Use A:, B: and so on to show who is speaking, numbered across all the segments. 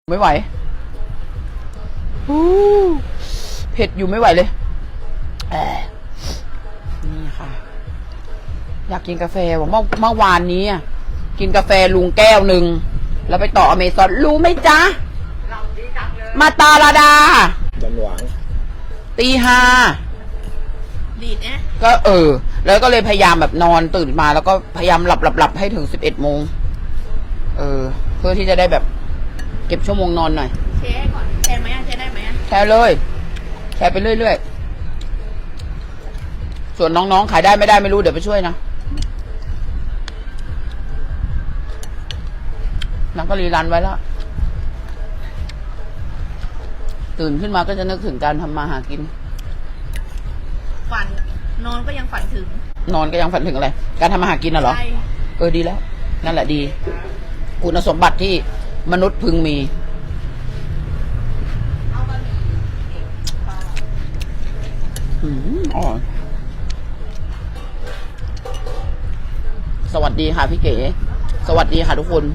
A: ไม่ไหวเผ็ดอยู่ไม่ไหวเลยนี่ค่ะอยากกินกาแฟบอกเมื่อวานนี้กินกาแฟลุงแก้วหนึ่งแล้วไปต่ออเมซอนรู้ไหมจ๊ะมาตาลาดา
B: ดันหวาง
A: ตีห้า
C: ดีดเนี่ย
A: ก็แล้วก็เลยพยายามแบบนอนตื่นมาแล้วก็พยายามหลับให้ถึง11 โมงเพื่อที่จะได้แบบเก็บชั่วโมงนอนหน่อย
C: แชร์ก่อนแชร์ไหมแชร์ได้ไหม
A: แชร์เลยแชร์ไปเรื่อยๆส่วนน้องๆขายได้ไม่ได้ไม่รู้เดี๋ยวไปช่วยนะน้องก็รีรันไว้แล้วตื่นขึ้นมาก็จะนึกถึงการทำมาหากิน
C: ฝันนอนก็ยังฝันถึง
A: นอนก็ยังฝันถึงอะไรการทำมาหากินน่ะเหรอดีแล้วนั่นแหละดีคุณสมบัติที่มนุษย์พึงมีสวัสดีค่ะพี่เก๋สวัสดีค่ะทุกคน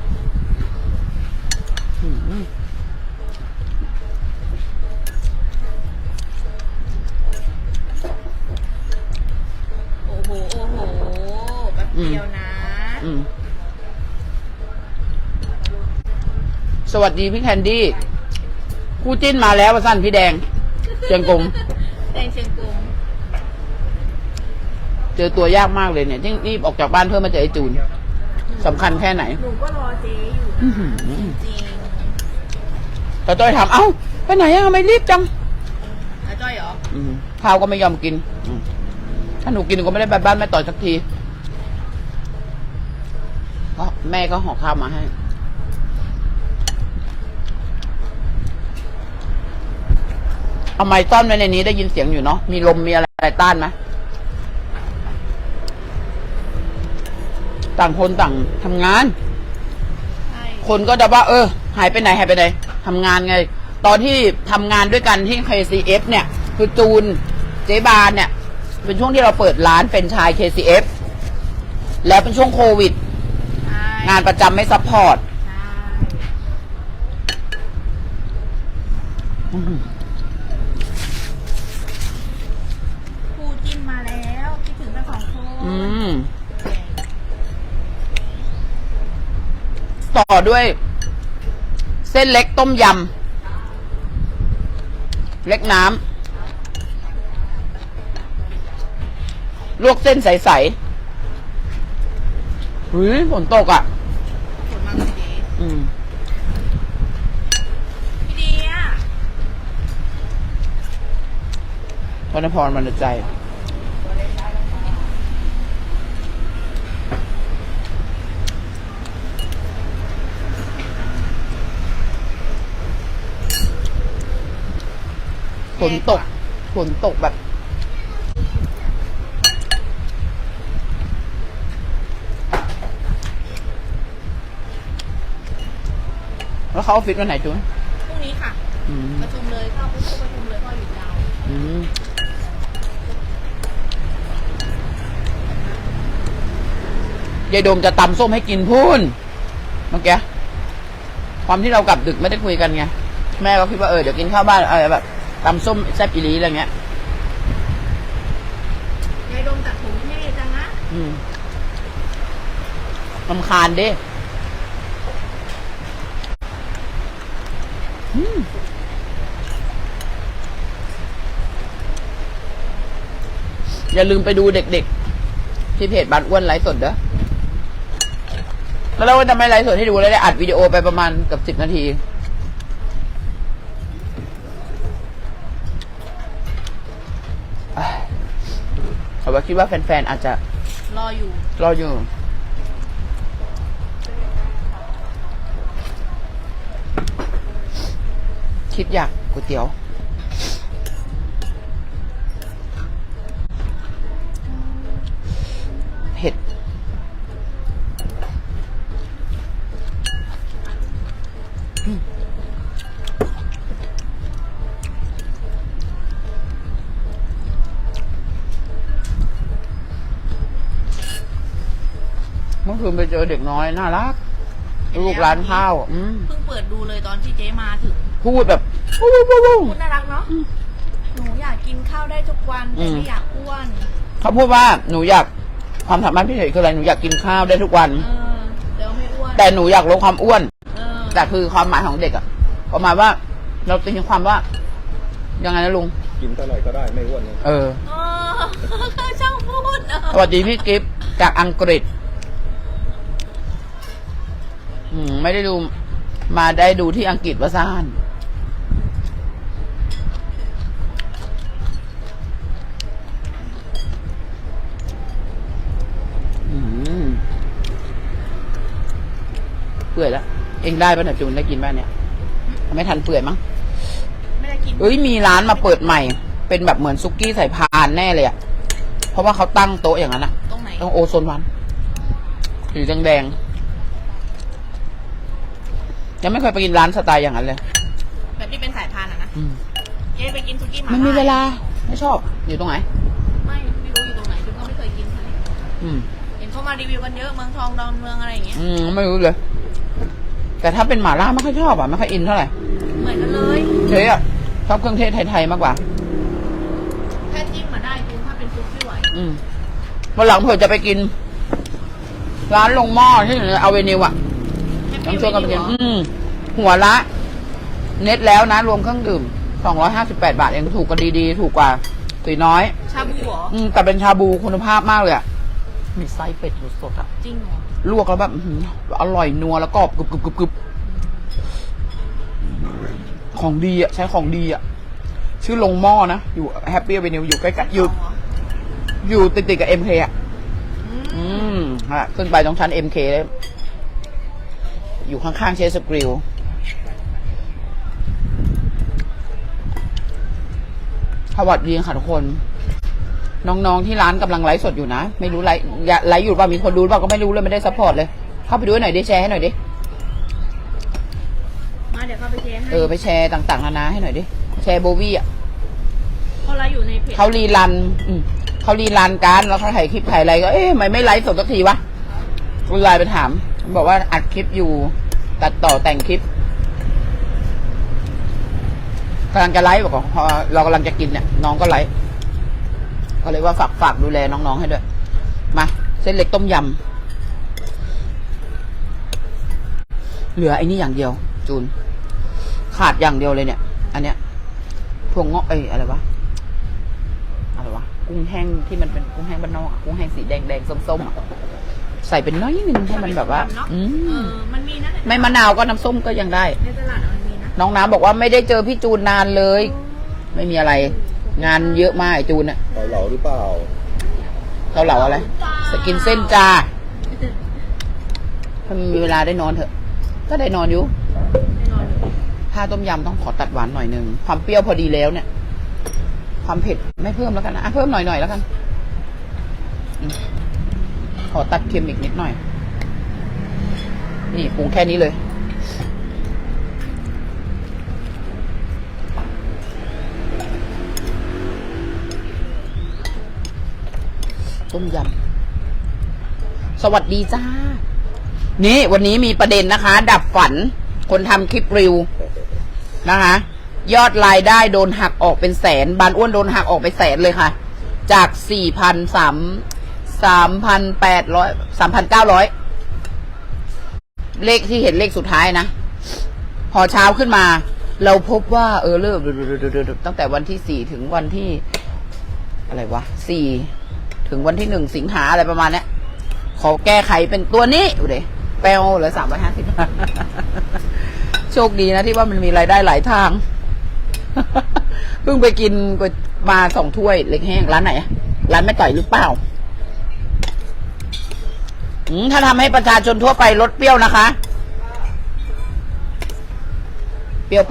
C: โอ้โหแป๊บเดียวนะ
A: สวัสดีพี่แคนดี้คู่จิ้นมาแล้วสั้นพี่แดงเชียงกง
C: แดงเชียงกง
A: เจอตัวยากมากเลยเนี่ยที่รีบออกจากบ้านเพื่อมาเจอไอ้จูนสำคัญแค่ไหน
C: หนูก็รอเจ๊อยู่จริง
A: แต่จ้อยถามเอ้าไปไหนทำไมรีบจัง
C: แล้วจ้อยเหรอ
A: ข้าวก็ไม่ยอมกินถ้าหนูกินก็ไม่ได้ไปบ้านแม่ต่อยสักทีเพราะแม่ก็ห่อข้าวมาให้เอาไม้ต้อนไว้ในนี้ได้ยินเสียงอยู่เนาะมีลมมีอะไรต้านไหมต่างคนต่างทำงานคนก็จะว่าหายไปไหนทำงานไงตอนที่ทำงานด้วยกันที่ KCF เนี่ยคือจูนเจ๊บานเนี่ยเป็นช่วงที่เราเปิดร้านเป็นชาย KCF แล้วเป็นช่วงโควิดงานประจำไม่ซัพพอร์ต
C: คู่จิ้นมาแล้วคิดถึงกัน2 คน
A: ต่อด้วยเส้นเล็กต้มยำเล็กน้ำลวกเส้นใสๆฝนตกอ่ะ
C: ฝนมาเลยดีพี่ดีอ่ะ
A: พรณพรมันใจฝนตกแบบแล้วเขาออฟฟิศวันไหนจุน
C: พรุ่งนี้ค่ะประชุมเลยเข้าประชุมเลยพ่อหยุดยา
A: วยายโดมจะตำส้มให้กินพูนเมื่อกี้ความที่เรากลับดึกไม่ได้คุยกันไงแม่ก็คิดว่าเดี๋ยวกินข้าวบ้านแบบตำส้มแซ่บอีหลีอะไรเงี้ย
C: ยายดมตัดผมเท่จังนะ
A: รำคาญดิอย่าลืมไปดูเด็กๆที่เพจบ้านอ้วนไลฟ์สดเด้อแล้วเราจะไม่ไลฟ์สดให้ดูแล้วได้อัดวิดีโอไปประมาณเกือบ10 นาทีแต่ว่าคิดว่าแฟนๆอาจจะ
C: รอ
A: อยู่คิดอยากก๋วยเตี๋ยวเผ็ดเมื่อคืนไปเจอเด็กน้อยน่ารักลูกร้านข้าว
C: เพิ่งเปิดดูเลยตอนที่เจ๊มาถึง
A: พูดแบบพู
C: ดน่ารักเนาะหนูอยากกินข้าวได้ทุกวันแต่ไม่อยากอ้วน
A: เขาพูดว่าหนูอยากความสามารถพิเศษคืออะไรหนูอยากกินข้าวได้ทุกวัน
C: แต่ไม่อ้วน
A: แต่หนูอยากลดความอ้วนแต่คือความหมายของเด็กอะประมาณว่าเราตีความว่ายังไงนะลุง
B: กินเท่าไหร่ก็ได้ไม่อ้วน
C: ช่างพูด
A: สวัสดีพี่กิฟต์จากอังกฤษไม่ได้ดูมาได้ดูที่อังกฤษว่าซ่านเปื่อยแล้วเองได้ป่ะเนี่ยจูนได้กินบ้านเนี่ยไม่ทันเปื่อยมั้ง
C: ไม่ได้กิน
A: มีร้านมาเปิดใหม่เป็นแบบเหมือนซุกี้ใส่พานแน่เลยอ่ะเพราะว่าเขาตั้งโต๊ะอย่างนั้นอ่ะ
C: ตรงไหน
A: ตรงโอโซนวันสีแดงยังไม่เคยไปกินร้านสไตล์อย่างนั้นเลย
C: แบบที่เป็นสายพานนะเจ๊ไปกินซุกี้
A: ไม่มีเวลาไม่ชอบอยู่ตรงไหน
C: ไม่รู้อยู่ตรงไหนจุ๊บก็ไม่เคยกินเลยเห็นเขามารีวิวกันเยอะเมืองทองดอนเมืองอะไรอย่างเงี้ย
A: ไม่รู้เลยแต่ถ้าเป็นหม่าล่าไม่ค่อยชอบอ่ะไม่ค่อยอินเท่าไหร่
C: เหมือนกันเลย
A: เจ๊อ่ะชอบเครื่องเทศไทยๆมากกว่า
C: แค่จิ้มมาได้ดูถ้าเป็นซุปไม่ไหว
A: วันหลังเผื่อจะไปกินร้านลงหม้อที่อยู่ในอเวนิวอ่ะต้องชวนกันไปกินหัวละเน็ตแล้วนะรวมเครื่องดื่ม258 บาทเองถูกกว่าดีๆถูกกว่าตีน้อย
C: ชาบูเหรอ
A: แต่เป็นชาบูคุณภาพมากเลยอ่ะมีไส้เป็ดสดๆอ่ะ
C: จริงเหรอ
A: ลวกแล้วแบบอร่อยนัวแล้วกรอบกรึบของดีอ่ะใช้ของดีอ่ะชื่อลงหม้อนะอยู่แฮปปี้อเวนิวอยู่ใกล้ๆอยู่ติดกับ MK อ่ะขึ้นไปตรงชั้น MK เลยอยู่ข้างๆเชสกริลสวัสดีค่ะทุกคนน้องๆที่ร้านกำลังไลฟ์สดอยู่นะไม่รู้ไลฟ์อยู่ป่ะมีคนดูป่ะก็ไม่รู้เลยไม่ได้ซัพพอร์ตเลยเข้าไปดูหน่อยดิแชร์ให้หน่อยดิ
C: มาเดี๋ยวเข้าไปแชร์ให้
A: ไปแชร์ต่างๆนานาให้หน่อยดิแชร์โบวี่อ่ะ
C: เขาไลฟ์อยู่ในเพจ
A: เขารีรันการแล้วเขาถ่ายคลิปถ่ายอะไรก็ไม่ไลฟ์สดสักทีวะกูไลน์ไปถามบอกว่าอัดคลิปอยู่ตัดต่อแต่งคลิปกำลังจะไลฟ์บอกว่าพอเรากำลังจะกินเนี่ยน้องก็ไลฟ์ก็เลยว่าฝากดูแลน้องๆให้ด้วยมาเส้นเล็กต้มยำเหลือไอ้นี่อย่างเดียวจูนขาดอย่างเดียวเลยเนี่ยอันเนี้ยถั่วงอกอะไรวะกุ้งแห้งที่มันเป็นกุ้งแห้งบ้านนอกกุ้งแห้งสีแดงส้มใส่เป็นน้อยนึงให้มันแบบว่า
C: มันมีนะ
A: ไม่มะนาวก็น้ำส้มก็ยังได้
C: ในตลาดมันมีนะ
A: น้องน้ำบอกว่าไม่ได้เจอพี่จูนนานเลยไม่มีอะไรงานเยอะมากไอ้จูนอะ
B: เกาเหลาหรือเปล่า
A: เกาเหลาอะไรสกินเส้นจ้าถ้ามีเวลาได้นอนเถอะก็ได้นอนอยู่ถ้าต้มยำต้องขอตัดหวานหน่อยนึงความเปรี้ยวพอดีแล้วเนี่ยความเผ็ดไม่เพิ่มแล้วกันนะเพิ่มหน่อยแล้วกันขอตัดเค็มอีกนิดหน่อยนี่ปรุงแค่นี้เลยต้มยำสวัสดีจ้านี่วันนี้มีประเด็นนะคะ ดับฝันคนทำคลิปรีวิวนะคะยอดรายได้โดนหักออกเป็นแสนบานอ้วนโดนหักออกไปแสนเลยค่ะจาก3,900เลขที่เห็นเลขสุดท้ายนะพอเช้าขึ้นมาเราพบว่าเริ่มตั้งแต่วันที่4ถึงวันที่อะไรวะ4ถึงวันที่1สิงหาอะไรประมาณนี้ขอแก้ไขเป็นตัวนี้ดูดิแปลเหลือ350โชคดีนะที่ว่ามันมีรายได้หลายทางเพิ่งไปกินมา2 ถ้วยเล็กแห้งร้านไหนร้านแม่ต่อยหรือเปล่าถ้าทำให้ประชาชนทั่วไปลดเปรี้ยวนะคะเปรี้ยวไป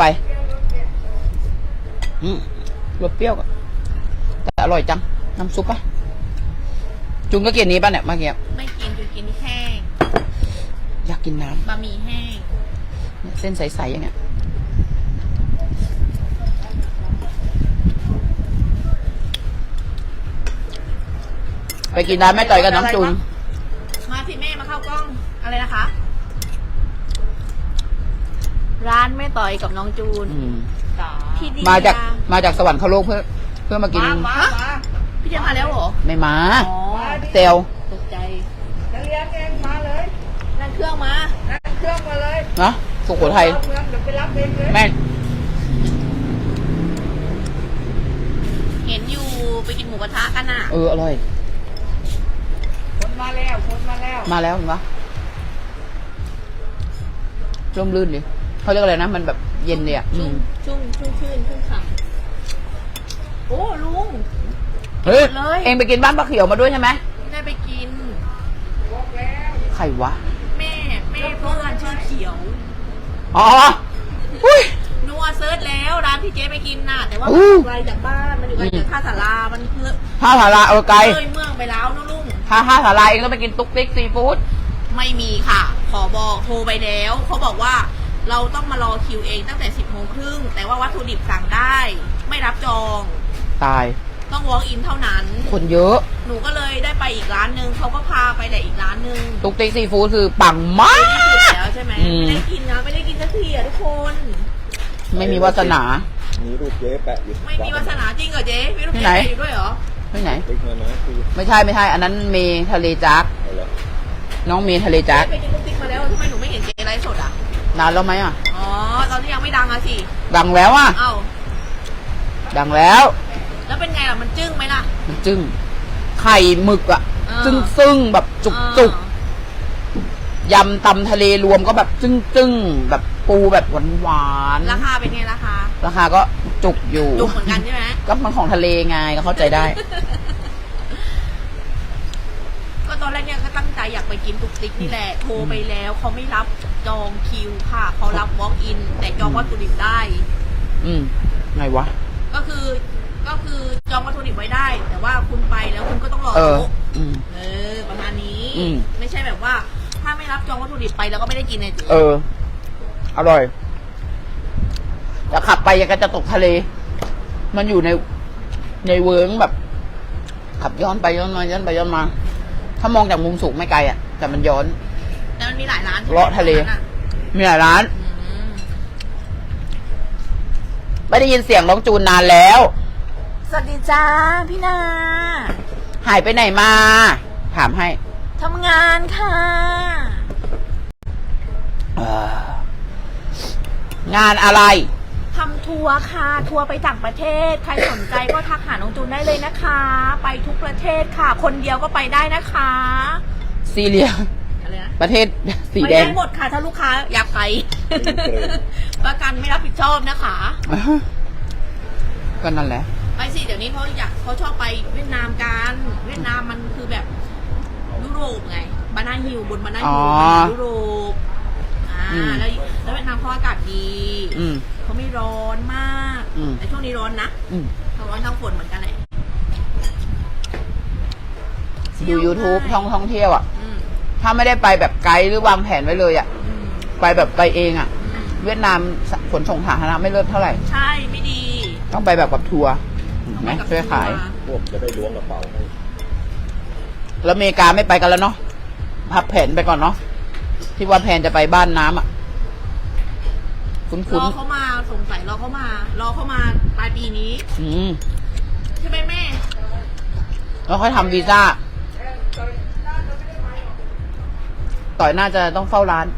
A: ลดเปรี้ยวแต่อร่อยจังน้ำซุปป่ะจุนก็กินนี้ป่ะเนี่ยเมื่อกี้
C: ไม่กินจุนกินแห้ง
A: อยากกินน้ำ
C: บะหมี่แห้ง
A: เส้นใสๆอย่างเงี้ยไปกินร้านแม่ต่อยกับน้องจูน
C: มาสิแม่มาเข้ากล้องอะไรนะคะร้านแม่ต่อยกับน้องจูน
A: อืม
C: พี่เดีย
A: มาจากสวรรคโลกเพื่อมากิน
C: ฮะพี่เดียมาแล้วเหรอ
A: ไม่มา
C: อ๋อ
A: เซล
C: ตกใจ
D: จะเลี้ยงเองมาเลย
C: นั่งเครื่องมา
D: นั่งเครื่องมาเลย
A: นะสุโขทัย
D: เข้าเมืองเดี๋ยวไปรับเองเลย
A: แม่
C: เห็นอยู่ไปกินหมูกระทะกันอ่ะ
A: อร่อย
D: คนมาแล้วคนมาแล้ว
A: มาแล้วเห็นปะร่มรื่นดิเขาเรียกอะไรนะ มันแบบเย็นเนี่ยอืม
C: ชุ่มชื่นฉ่ำโอ้ลุง
A: เฮ้ย
C: เลย
A: เองไปกินบ้านป้าเขียวมาด้วยใช่ไหม
C: ได้ไปกิน
A: ใครวะ
C: แม่เพื่อนชื่อเขียว
A: อ๋ออุ้ย
C: นัวเซิร์ชแล้วร้านที่เจ๊ไปกินน่ะ แต่ว่า
A: อู้
C: มันอยู่ไกลจากบ้านมันอยู่ไกลจากท่าสารามันเพื่อ
A: ท่าสาราไกล
C: เลยเมืองไปแล้วนะลุง
A: ท่าสาราเองก็ไปกินตุ๊กติ๊กซีฟู้ด
C: ไม่มีค่ะ ขอบอกโทรไปแล้วเขาบอกว่าเราต้องมารอคิวเองตั้งแต่ 10:30 แต่ว่าวัตถุดิบสั่งได้ ไม่รับจอง
A: ตาย
C: ต้อง walk in เท่านั้น
A: คนเยอะ
C: หนูก็เลยได้ไปอีกร้านนึงเขาก็พาไปแต่อีกร้านนึง
A: ตุ๊กติ๊กซีฟู้ดคือปังมา
C: ที่สุด
A: ก
C: แล้วใช่ไหม
A: อืม
C: ไม่ได้กินนะไม่ได้กินสักทีอ่ะทุกคน
A: ไม่มีวาสนา
B: มีรูปเจ๊แปะอยู่
C: ไม่มีวาสนาจริงเหรอเจ๊มีลูก
A: ที่
C: เจ๊
A: ไหน
C: อยู่ด้วยเหรอ
A: ที่ไหน
B: ติ๊กมานะคือ
A: ไม่ใช่ อันนั้นเมทะเลจัก
B: เอาละ
A: น้องเมทะเลจัก
C: ไปกินลูกติ๊กมาแล้วทำไมหนูไม่เห็นเจ๊ไลฟ์สดอ่ะ
A: นานแล้วไหมอ่ะ
C: อ๋อตอนที่ยังไม่ดังอะสิ
A: ดังแล้วอ่ะ
C: เอ้า
A: ดังแล้ว
C: แล้วเป็นไงล่ะมันจึ้งไหมล่ะ
A: มันจึ้งไข่หมึกอ่ะ
C: อ่า
A: ซึ่งแบบจุกยำตำทะเลรวมก็แบบจึ้งแบบปูแบบหวาน
C: ราคาเป็นไงราคา
A: ราคาก็จุกอยู่
C: จุกเหมือนกันใช่ไหม
A: ก็มันของทะเลไงก็เข้าใจได้
C: ก็ตอนแรกเนี่ยก็ตั้งใจอยากไปกินตุกติ๊กนี่แหละ โทรไปแล้วเขาไม่รับจองคิวค่ะ เขารับ walk in แต่จองวัตถุดิบได้
A: อืมไงวะ
C: ก็คือจองวัตถุดิบไว้ได้ แต่ว่าคุณไปแล้วคุณก็ต้องรอ
A: เออ
C: โต๊ะ
A: อืม
C: ประมาณนี้
A: อืม
C: ไม่ใช่แบบว่า ถ้าไม่รับจองวัตถุดิบไปแล้วก็ไม่ได้กินเลยจี
A: อร่อยแต่ขับไปยังก็จะตกทะเล มันอยู่ในเวิร์งแบบ ขับย้อนไปย้อนมาย้อนไปย้อนมา ถ้ามองจากมุมสูงไม่ไกลอ่ะ แต่มันย้อน
C: แต่มันมีหลายร้านใช่ไหม
A: เลาะทะเล
C: ตรงนั้นอ
A: มีหลายร้าน
C: อืม
A: ไม่ได้ยินเสียงน้องจูนนานแล้ว
C: สวัสดีจ้าพี่นา
A: หายไปไหนมา ถามให้
C: ทำงานค่ะ
A: งานอะไร
C: ทำทัวร์ค่ะ ทัวร์ไปต่างประเทศ ใครสนใจก็ทักหาน้องจูนได้เลยนะคะ ไปทุกประเทศค่ะ คนเดียวก็ไปได้นะคะ
A: ซีเรีย
C: อะไรนะ
A: ประเทศสี
C: ไป
A: แดง
C: ได้หมดค่ะ ถ้าลูกค้าอยากไป ประกันไม่รับผิดชอบนะคะ
A: ก็นั่นแหละ
C: ไปสิเดี๋ยวนี้เขาชอบไปเวียดนามกันเวียดนามมันคือแบบยุโรปไงบานาฮิลบนบานาฮิล
A: อ๋อ
C: ยุโรป
A: อืม
C: แล้วเวียดนามเขาอากาศดี
A: อืม
C: เขาไม่ร้อนมาก
A: อืม
C: แต่ช่วงนี้ร้อนนะ
A: อืม
C: ทั้งร้อนทั้งฝนเหมือนกันเลย
A: ดู YouTube ท่องเที่ยวอ่ะ
C: อืม
A: ถ้าไม่ได้ไปแบบไกด์หรือวางแผนไว้เลยอ่ะ
C: อืม
A: ไปแบบไปเองอ่ะ
C: อืม
A: เวียดนามขนส่งสาธารณะไม่เลิศเท่าไหร่
C: ใช่ไม่ดี
A: ต้องไปแบบกับทัวร์เห็นไหม
C: ต้องไปกับ
A: ช่วยขาย
C: ทัวร์
B: พวกจะได้ล้วงกระเป๋าให้
A: แล้วอเมริกาไม่ไปกันแล้วเนาะ พับแผนไปก่อนเนาะ ที่ว่าแผนจะไปบ้านน้ำอ่ะ คุ้
C: ร
A: น
C: อเขามาสงสัยรอเขามาปลายปีนี้
A: ๆอืม
C: ใช่ไหมแม่
A: แล้วค่อยทำวีซ่า ต่อยน่าจะต้องเฝ้าร้าน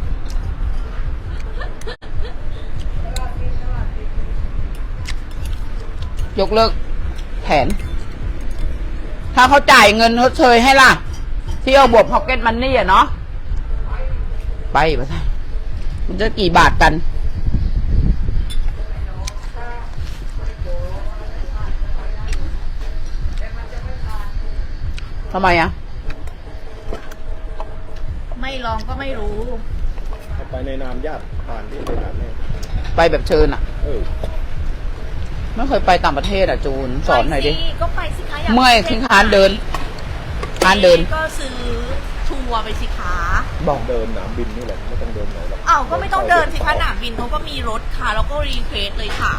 A: ยกเลิกแผน ถ้าเขาจ่ายเงินชดเชยให้ล่ะ ที่เอาบวกพ็อกเก็ตมันนี่อ่ะเนาะ ไปปะท่ะมันจะกี่บาทกัน ทำไมอ่ะ
C: ไม่ลองก็ไม่รู้
B: ถ้าไปในนามญาติผ่านที่ไปนามแน่
A: ไปแบบเชิญอ่ะ ไม่เคยไปต่างประเทศอ่ะจูน สอนหน่อยดิ
C: ไปสิก็ไปสิคะาก
A: เมื่อยขึ้นคานเดิน คานเดิน
C: ก็ซื้อทัวร์ไปสิคะ
A: บอก
B: เดินหนามบินนี่แหละไม่ต้องเดินไหนหรอก
C: อ้าวก็ไม่ต้องเดินสิคะหนามบินเขาก็มีรถค่ะ แล้วก็รีเควสเลยค่ะ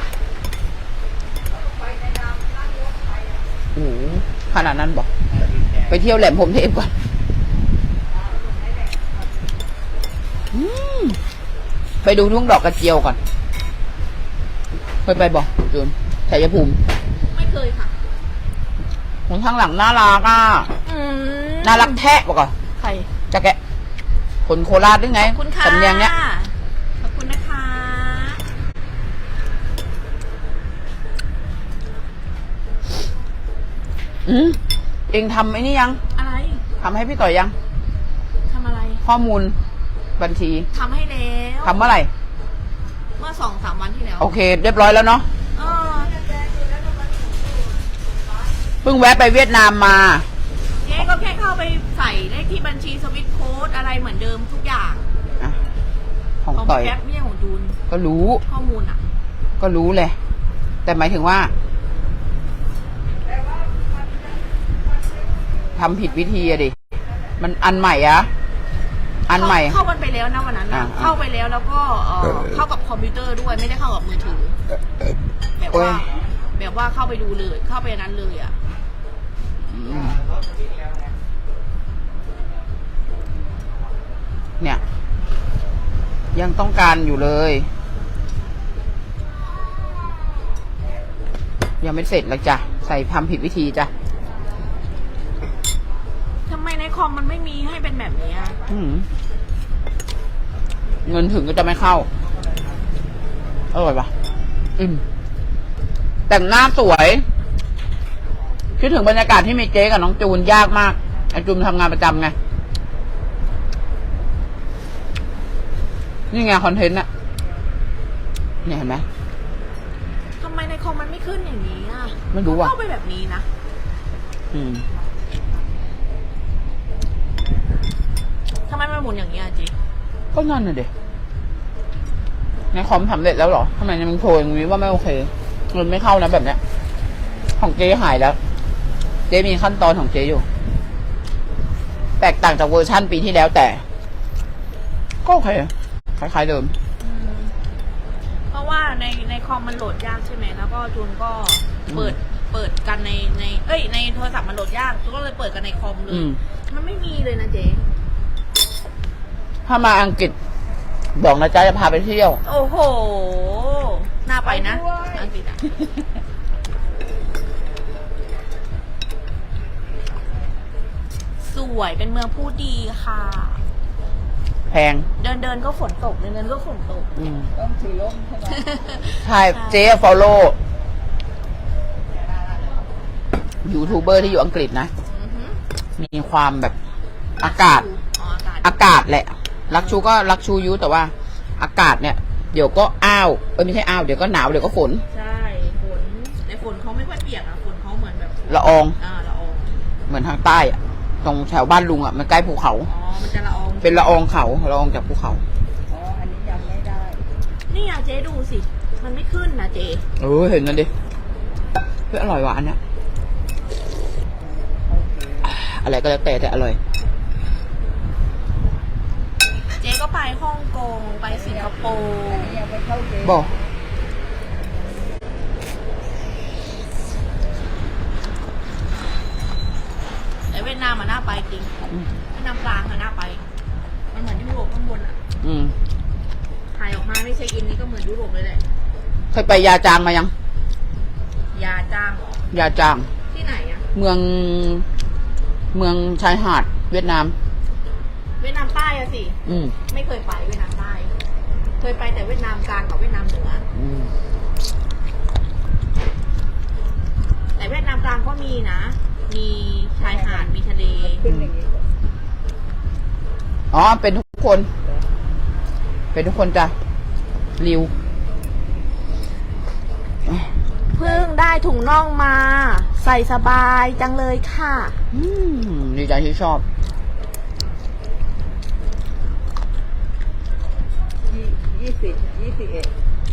A: โอ้โหขนาดนั้นบอก ไปเที่ยวแหลมพรหมเทพก่อน อืมไปดูทุ่งดอกกระเจียวก่อนเคยไปบอกจูนชัยภูมิ
C: ไม่เคยค่ะ
A: คนข้างหลังน่ารักอ่ะ น่ารักแทะบอกก่อน
C: ใคร
A: จะแกะคนโคราชด้วยไง
C: ขอบคุณค่ะ
A: สำเนียงเนี้ย
C: ขอบคุณนะคะ
A: เองทำไอ้นี่ยัง
C: อะไร
A: ทำให้พี่ต่อยยัง
C: ทำอะไร
A: ข้อมูลบัญชี
C: ทำให้แล้ว
A: ทำเมื่อไหร่
C: เมื่อ 2-3 วันที่แล้ว
A: โอเค เรียบร้อยแล้วเนาะ
C: เออ
A: เพิ่งแวะไปเวียดนามมา
C: เจ๊ก็แค่เข้าไปใส่เลขที่บัญชีสวิตโค้ดอะไรเหมือนเดิมทุกอย่าง
A: อ่ะ ของ
C: ของ
A: ต่อย
C: แก๊ปไม่ใช่ของจูน
A: ก็รู้
C: ข้อมูลอ่ะ
A: ก็รู้เลย แต่หมายถึงว่าทำผิดวิธีอะดิ มันอันใหม่อะอันใหม่
C: เข้ากันไปแล้วนะวันนั้น
A: อ่า
C: นะเข้าไปแล้วแล้วก็เข้ากับคอมพิวเตอร์ด้วยไม่ได้เข้ากับมือถือ แบบ
A: โอ้ย
C: ว่า แบบว่าเข้าไปดูเลย เข้าไปนั้นเลยอ่ะ
A: อืมเนี่ย ยังต้องการอยู่เลย ยังไม่เสร็จเลยจ้ะ ใส่ทำผิดวิธีจ้ะ
C: ทำไมในคอมมันไม่มีให้เป็นแบบนี้อะ
A: เงินถึงก็จะไม่เข้า อร่อยปะแต่งหน้าสวย คิดถึงบรรยากาศที่มีเจ๊กับน้องจูนยากมากไอจูนทำงานประจำไง นี่ไงคอนเทนต์อะเนี่ยเห็นไหม
C: ทำไมในคอมมันไม่ขึ้นอย่างนี้อ่ะ
A: ไม่รู้ว่ะ
C: เข้าไปแบบนี้นะ ทำไมมันหมุนอย่างนี้อ่ะจี
A: ก็นั่นน่ะเด็ในคอมสำเร็จแล้วเหรอทำไมยังโชว์อย่างนี้ว่าไม่โอเคเงินไม่เข้านะแบบเนี้ย ของเจ๊หายแล้ว เจ๊มีขั้นตอนของเจ๊อยู่ แตกต่างจากเวอร์ชั่นปีที่แล้วแต่ ก็โอเคคล้ายๆเดิม
C: เพราะว่าในคอมมันโหลดยากใช่ไหมแล้วก็จูนก็เปิดกันในโทรศัพท์มันโหลดยากจูนก็เลยเปิดกันในคอมเลย มันไม่มีเลยนะเจ๊
A: ถ้ามาอังกฤษ บอกนะจ๊ะจะพาไปเที่ยว
C: โอ้โห น่าไปนะ อังกฤษอ่ะ สวยเป็นเมืองผู้ดีค่ะ
A: แพง
C: เดินก็ฝนตกเดินก็ฝนตก
D: ต้องถือร่มใช่ไหม
A: ใช่ เจ๊ฟอลโล่ยูทูบเบอร์ที่อยู่อังกฤษนะ
C: อือหือ
A: มีความแบบอากาศ
C: อ๋ออากาศ
A: อากาศแหละ รักชูก็รักชูยุแต่ว่า อากาศเนี่ย เดี๋ยวก็อ้าวไม่ใช่อ้าวเดี๋ยวก็หนาวเดี๋ยวก็ฝน
C: ใช่ฝนแต่ฝนเขาไม่ค่อยเปียกอะฝนเขาเหมือนแบบ
A: ละออง
C: ละออง
A: เหมือนทางใต้อะตรงแถวบ้านลุงอะมันใกล้ภูเขา
C: อ๋อ มันจะละออง
A: เป็นละอองเขาละอองจากภูเขา
D: อ๋อ อันนี้ยังไม่ได้
C: นี่อะเจ๊ดูสิ มันไม่ขึ้นนะเจ๊
A: เห็นนั่นดิเฮ้ยอร่อยหวานเนี่ย
D: โอเค
A: อะไรก็แล้วแต่อร่อย
C: เจ๊ก็ไปฮ่องกงไปสิงคโปร์
D: อันนี้ยังไม่เข้าเกณฑ์
A: บอก
C: แต่เวียดนามมันน่าไปจริงเวียดนามกลางมันน่าไป มันเหมือนยุโรปข้างบนอะ ถ่ายออกมาไม่เช็คอินนี่ก็เหมือนยุโรปเลยแหละ
A: เคยไปยาจางมายัง
C: ยาจ้าง
A: ยาจาง
C: ที่ไหนอะ
A: เมืองชายหาดเวียดนาม
C: เวียดนามใต้อะสิ ไม่เคยไปเวียดนามใต้ เคยไปแต่เวียดนามกลางกับเวียดนามเหนือ แต่เวียดนามกลางก็มีนะ มีชายหาด มีทะเล
D: ขึ้นอย่างนี้
A: อ๋อ เป็นทุกคน เป็นทุกคนจ้ะริว
C: เพิ่งได้ถุงน่องมา ใส่สบายจังเลยค่ะ
A: ดีใจที่ชอบ
D: 21
A: เท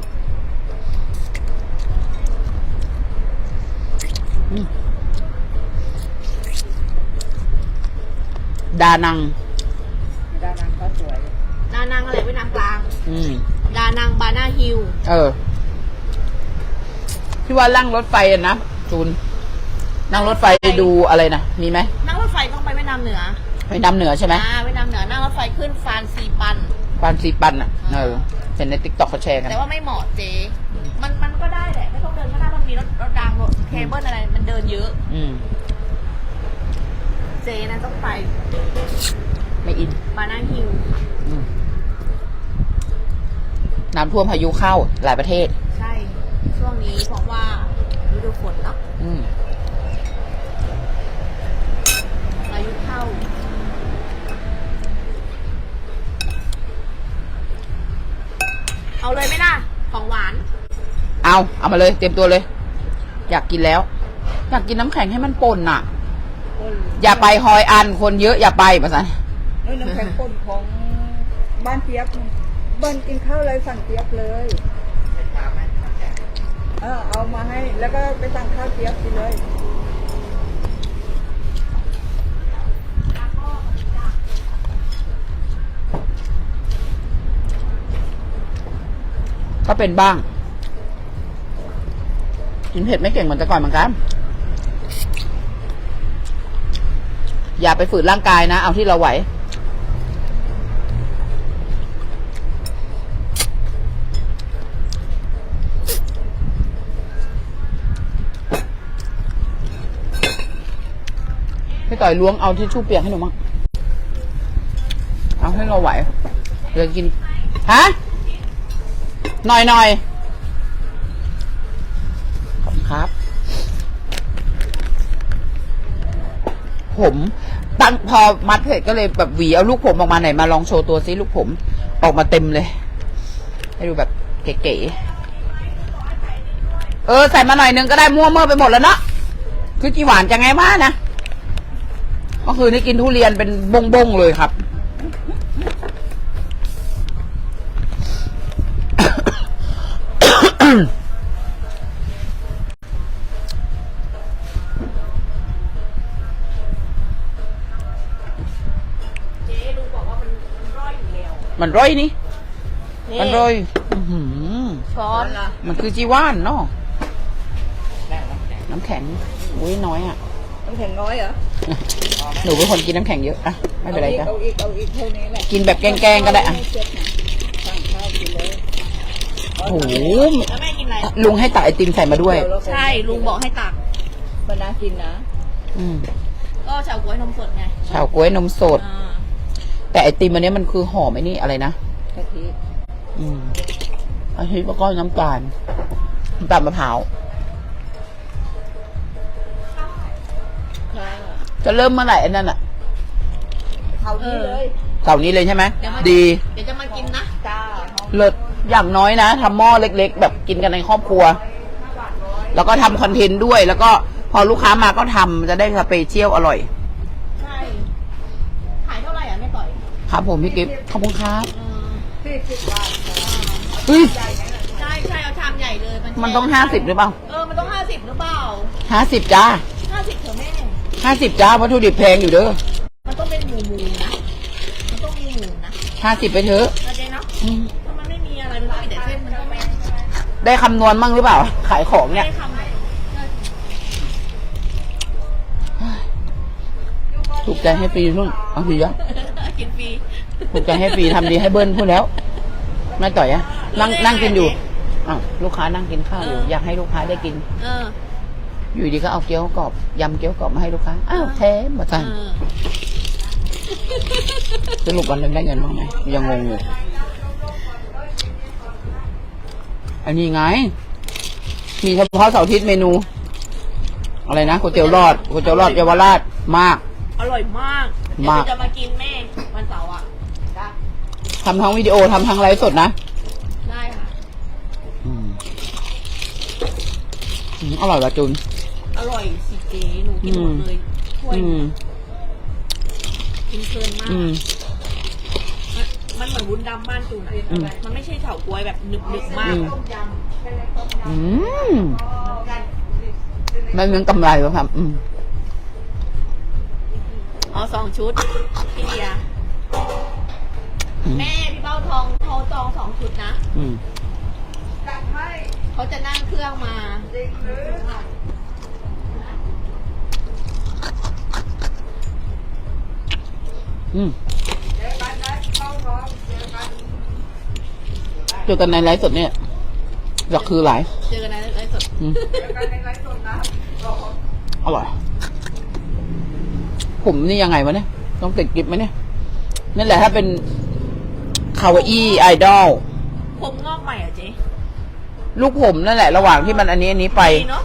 A: ดานัง
D: ดานังก็สวย
C: ดานังอะไรเวียดนามกลาง
A: อืม
C: ดานังบานาฮิล
A: ที่ว่านั่งรถไฟอะนะจูน นั่งรถไฟไปดูอะไรนะมีไหม
C: นั่งรถไฟต้องไปเวียดนามเหนือ
A: ไปนำเหนือใช่ไหม
C: เวียดนามเหนือนั่งรถไฟขึ้นฟานซีปัน
A: ปานซีปันอ่ะเห็นในติ๊กต็อกเขาแชร์กัน
C: แต่ว่าไม่เหมาะเจ๊มันก็ได้แหละไม่ต้องเดินก็ได้มันมีรถรางรถเคเบิลอะไรมันเดินเยอะ เจ๊นะต้องไป
A: ไม่อิน
C: บานาฮิล
A: น้ำท่วมพายุเข้าหลายประเทศ
C: ใช่ ช่วงนี้เพราะว่าฤดูฝนเนาะพายุเข้า เอาเลยไหมล่ะ ของหวาน
A: เอามาเลยเตรียมตัวเลย อยากกินแล้ว อยากกินน้ำแข็งให้มันป่นน่ะ อย่าไปฮอยอันคนเยอะอย่าไปมาสัน
D: น้ำแข็งป่นของบ้านเจี๊ยบเบิ้ลกินข้าวเลยสั่งเจี๊ยบเลยเอามาให้แล้วก็ไปสั่งข้าวเจี๊ยบกินเลย
A: ก็เป็นบ้าง กินเผ็ดไม่เก่งเหมือนแต่ก่อนเหมือนกัน อย่าไปฝืนร่างกายนะเอาที่เราไหวพี่ต่อยล้วงเอาที่ชู่เปียกให้หนูมั้งเอาให้เราไหวเดี๋ยวกินฮะหน่อยขอบคุณครับผมตั้งพอมัดเสร็จก็เลยแบบหวีเอาลูกผมออกมาไหนมาลองโชว์ตัวซิลูกผมออกมาเต็มเลยให้ดูแบบเก๋ๆใส่มาหน่อยนึงก็ได้มั่วเมื่อไปหมดแล้วเนาะคือจีหวานจะไงบ้านะก็คือนี่กินทุเรียนเป็นบงๆเลยครับ
C: เจ๊ลุงบอกว่ามันร่อยอยู่แล้ว
A: มันร่อยนี่มันร่อย
C: ช้อน
A: มันคือจีว่านเนาะน้ำแข็งอุ้ยน้อยอ่ะ
D: น้ำแข็งน้อยเหรอ
A: หนูเป็นคนกินน้ำแข็งเยอะอะไม่เป็นไรจ้ะ
D: เอาอีกเท่านี้แหละ
A: กินแบบแกล้งๆก็ได้อะ
D: สั่งข้าวกินเลย
A: โอ้โห
C: แล้วแม่กินอะไร
A: ลุงให้ตักไอติมใส่มาด้วย
C: ใช่ลุงบอกให้ตัก
D: มันน่ากินนะ
C: ก็เฉาก๊วยนมสดไง
A: เฉาก๊วยนมสด แต่ไอติมอันนี้มันคือหอมไอ้นี่อะไรนะ
D: กะทิ
A: อาทิแล้วก็น้ำตาลมะพร้าวจะเริ่มเมื่อไหร่อันนั้นอ่ะ
D: เขานี้เลย
A: เสาร์นี้เลยใช่ไหม
C: เดี๋ยว
A: ดี
C: เดี๋ยวจะมากินนะ
D: จ้า
A: เลิศอย่างน้อยนะทำหม้อเล็กๆ แบบกินกันในครอบครัว แล้วก็ทำคอนเทนต์ด้วย แล้วก็พอลูกค้ามาก็ทำจะได้สเปเชียลอร่อย
C: ใช่ขายเท่าไหร่อ่ะแม่ต่อย
A: ครับผมพี่กิฟต์ขอบคุณครับ
D: 40 บาท
A: เฮ้ย
C: ใช่เอาชามใหญ่เลย
A: มันต้อง50หรือเปล่า
C: มันต้อง50หรือเปล่า
A: 50จ้า
C: 50เถอะแม่
A: 50จ้าวัตถุดิบแพงอยู่เด้อ
C: มันต้องเป็นหมูนะ มันต้องมีหมูนะ
A: 50ไปเถอะ
C: นะเจ๊เนาะถ้ามันไม่มีอะไรมันต้องมีแต่เส้นมันต้องไม่
A: ได้คำนวณมั่งหรือเปล่า ขายของเนี่ย
C: ได้คำไหน
A: ถูกใจให้ฟรีนู่นเอาฟรีอะ
C: กินฟรี
A: ถูกใจให้ฟรีทำดีให้เบิ้ลพูดแล้วแม่ต่อยอะนั่งกินอยู่อ้าวลูกค้านั่งกินข้าวอยู่อยากให้ลูกค้าได้กินอยู่ดีก็เอาเกี๊ยวกรอบยำเกี๊ยวกรอบมาให้ลูกค้าอ้าวแท้หมดจังสรุปวันนึงได้เงินบ้างไหมยังงงอยู่อันนี้ไงมีเฉพาะเสาร์อาทิตย์เมนูอะไรนะก๋วยเตี๋ยวรอดเยาวราชมาก
C: อร่อยมากเดี๋ยวจะมากินแม่วันเสาร์อ่ะ
A: ทำทั้งวิดีโอทำทั้งไลฟ์สดนะ
C: ได้ค่ะ
A: อร่อยว่ะจุน
C: อร่อยสิเจ๊หนูกินหมดเลยถ้วยกินเพลินมากมันเหมือนวุ้นดำบ้านจูนอะมันไม่ใช่เฉาก๊วยแบบหนึบๆมาก
A: ไม่เหมือนกำไรวะครับ
C: เอา2 ชุดพี่เดียแม่พี่เบ้าทองเขาจอง2 ชุดนะเขาจะนั่งเครื่องมา
A: จอกันในไลฟ์สดเนี่ยอยากคือหลาย
C: เจอกันในไลฟ์สด
A: อืมอร่อย ผมนี่ยังไงวะเนี่ย ต้องติดกิฟไหมเนี่ย นั่นแหละถ้าเป็นคาวาอี้ไอดอล
C: ผมงอกใหม่เหรอเจ๊
A: ลูกผมนั่นแหละ ระหว่างที่มันอันนี้ไป
C: ดีเนาะ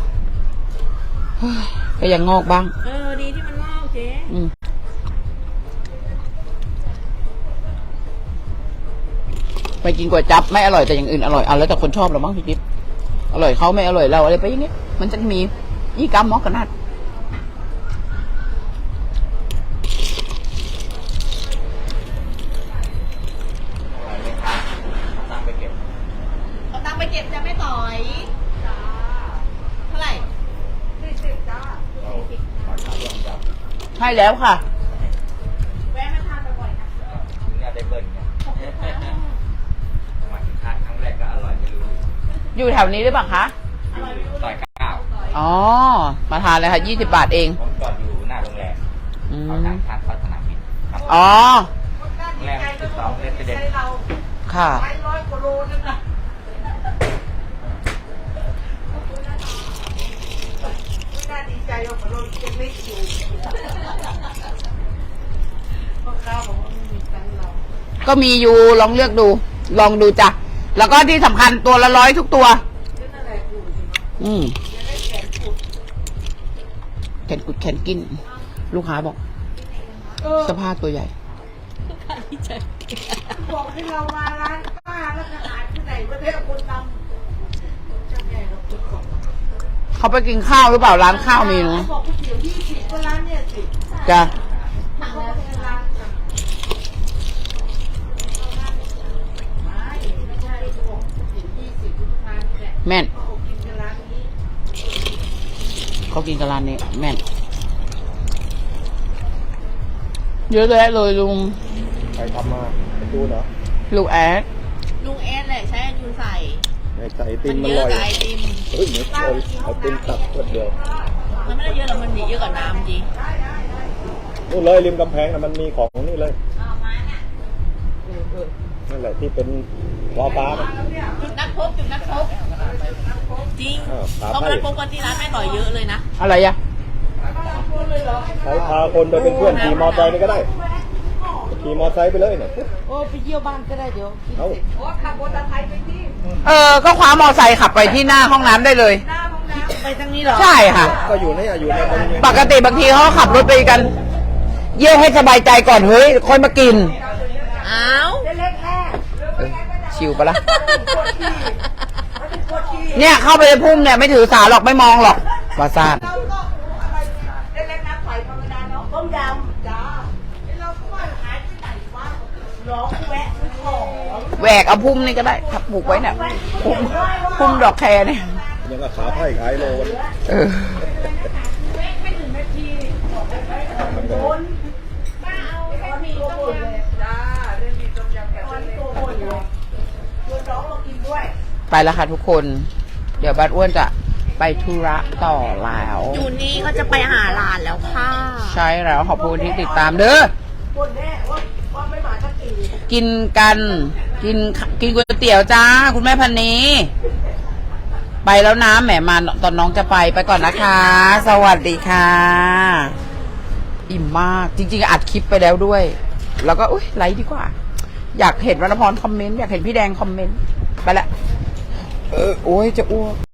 A: ก็ยังงอกบ้าง
C: ดีที่มันงอกเจ๊
A: อืมไปกินก๋วยจั๊บไม่อร่อยแต่อย่างอื่นอร่อยเอาแล้วแต่คนชอบเราบ้างพี่กิ๊บอร่อยเขาไม่อร่อยเราอะไรไปอย่างเงี้ยมันจะมียี่กัมมอกกันนัด
C: เอาตังค์ไปเก็บจะไม่ต่อยเท่าไหร่
A: ให้แล้วค่ะ
C: แวะมาทานบ่อยๆนะ
E: น่าได้เบิ้ลไงมาทานครั้งแรกก็อร่อยไม่รู้
A: อยู่แถวนี้หรือเปล่าคะ
E: ซอยเก้า
A: อ๋อ มาทานเลยค่ะ20 บาทเอง
E: ผมจอดอยู่หน้าโรงแรม
A: อืม
E: เขาทางทางเข้าสนามบินครับ
A: อ๋อ
E: โรงแรม12เลสเดน
A: ค่ะ ก็มีอยู่ลองเลือกดู ลองดูจ้ะ แล้วก็ที่สำคัญตัวละ100ทุกตัว อืมแขนกุดแขนกิน ลูกค้าบอกเสภาพตัวใหญ่
D: บอกให้เรามาร้านป้าแล้วก็หาที่ไหนประเทศคนนำจะไงเราคิดก่อน
A: เขาไปกินข้าวหรือเปล่าร้านข้าวมีเนาะ
D: บอกก๋วยเตี๋ยว20ก็ร้านเนี่ยสิ
A: จ้ะ
D: เขาก็เป็นร้านจ้ะไม่ใช่บอกก๋วยเตี๋ยว20ทุกร้านนี่แหละ
A: แม่น
D: เขากินกันร้านนี้
A: เขากินกับร้านนี้แม่น เยอะแยะเลยลุง
B: ใครทำมาไปดูเหรอ
A: ลูกแอด
C: ลุงเอสแหละใช้จูนใส่
B: ในใส่ไอติ
C: มั
B: ม
C: น
B: มัน
C: เย
B: ล
C: อะ
B: อย
C: กับไอติม
B: เฮ้ยเหมือนเอาไอติมตักคนเดียว
C: มันไม่ได้เยอะหรอกมันมีเยอะกว่าน้ำจริง
B: นู่นเลยริมกำแพงน่ะมันมีของนี่เลย
C: เอามาเนี่ย
B: นั่นแหละที่เป็นวอลฟ้ามัน
C: จุดนักพบจุดนักพบจริง
B: ครับ
C: ต้องนักพบกันที่ร้านแม่ต่อยเยอะเลยนะ
A: อะไรอะ
B: ใช้พาคนไปเป็นเพื่อนขี่มอเตอร์ไซค์นี่ก็ได้ขี่มอเตอร์ไซค์ไปเลยเนี่ย
D: โอ้ไปเยี่ยวบ้านก็ได้เดี๋ยวกิน
B: เอา
D: เสร็จโอ้ขับมอเตอร์ไซค์ไปที่
A: ก็คว้ามอไซค์ขับไปที่หน้าห้องน้ำได้เลย
D: หน้าห้องน้ำไปทางนี้เหรอ
A: ใช่ค่ะ
B: ก็อยู่เนี่ยอยู่ในบริเวณ
A: ปกติบางทีเขาขับรถไปกัน เยี่ยวให้สบายใจก่อนเฮ้ยค่อยมากิน
C: อ้าว
D: เล็กแค่
A: ชิวปะล่ะ เนี่ยเข้าไปในพุ่มเนี่ยไม่ถือสาหรอกไม่มองหรอกวาซาด
D: เราก็อะไรเนี่ยเล็กๆน้ำใสธรรมดาเนาะต้มยำจ้าเราก็ว่าหายไปไหนวะร้องแวะซื้อของ
A: แหวกเอาพุ่มนี่ก็ได้ถ้าปลูกไว้เนี่ยพุ่มดอกแครเนี่ย
B: ยังก็ขาไผ่ขายโลกัน
A: เออ
D: ไม่ถึงนาทีโดนป้าเอาแค่มีต้มยำจ้าเรื่องมีต้มยำกับเส้นเล็กตัวคนเลยชวนน้องมากินด้วย
A: ไปแล้วค่ะทุกคน เดี๋ยวบ้านอ้วนจะไปธุระต่อแล้ว
C: จูนนี่ก็จะไปหาหลานแล้วค่ะ
A: ใช่แล้วขอบคุณที่ติดตามเด้อ
D: คนแน่ว่าไม่มาสักที
A: กินกันกินก๋วยเตี๋ยวจ้า คุณแม่พันนี้ ไปแล้วนะแหมมาตอนน้องจะไปก่อนนะคะ สวัสดีค่ะ อิ่มมากจริงๆอัดคลิปไปแล้วด้วย แล้วก็อุ้ยไลค์ดีกว่า อยากเห็นวรรณพรคอมเมนต์อยากเห็นพี่แดงคอมเมนต์ไปละโอ้ยจะอ้วก